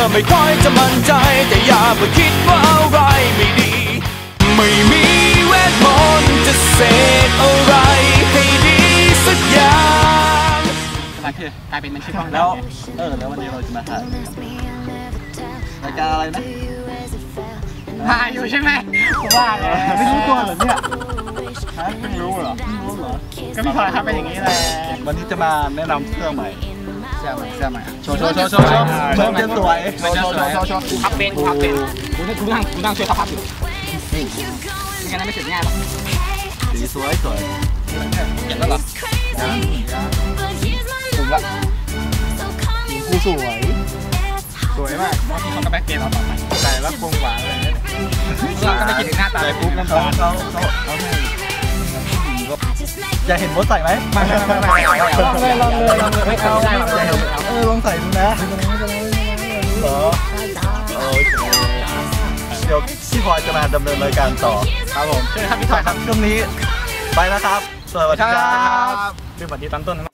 ไม่ค่อยจะมั่นใจแต่อย่าไปคิดว่าอะไรไม่ดีไม่มีเวทมนต์จะเสกอะไรให้ดีสักอย่างอะไรคือกลายเป็นมันชื่อกล้องแล้วแล้ววันนี้เราจะมาถ่ายรายการอะไรนะถ่ายอยู่ใช่ไหมว่าไงไม่รู้ตัวเหรอเนี่ยฮะเพิ่งรู้เหรอก็พี่พลอยครับเป็นอย่างนี้แหละวันนี้จะมาแนะนำเสื้อใหม่เสื้อใหม่โชว์จะสวยพับเป็นคุณนั่งช่วยเขาพับอยู่ไม่งั้นไม่เสร็จง่ายหรอกสีสวยเห็นแล้วเหรอถูกละคู่สวยมากที่เขาก็แบ็คเกมเราต่อไปใส่แล้วคงหวานเลยเราก็ไม่คิดถึงหน้าตาใส่ปุ๊บน้ำตาลเขาอยากเห็นโบสใส่ไหมไม่ลองเลยไม่เอาลองใส่ดูนะเหรอเดี๋ยวพี่พลอยจะมาดำเนินรายการต่อครับผมเชิญครับพี่พลอยครับช่วงนี้ไปแล้วครับสวัสดีครับเป็นบัตรที่ตั้งต้น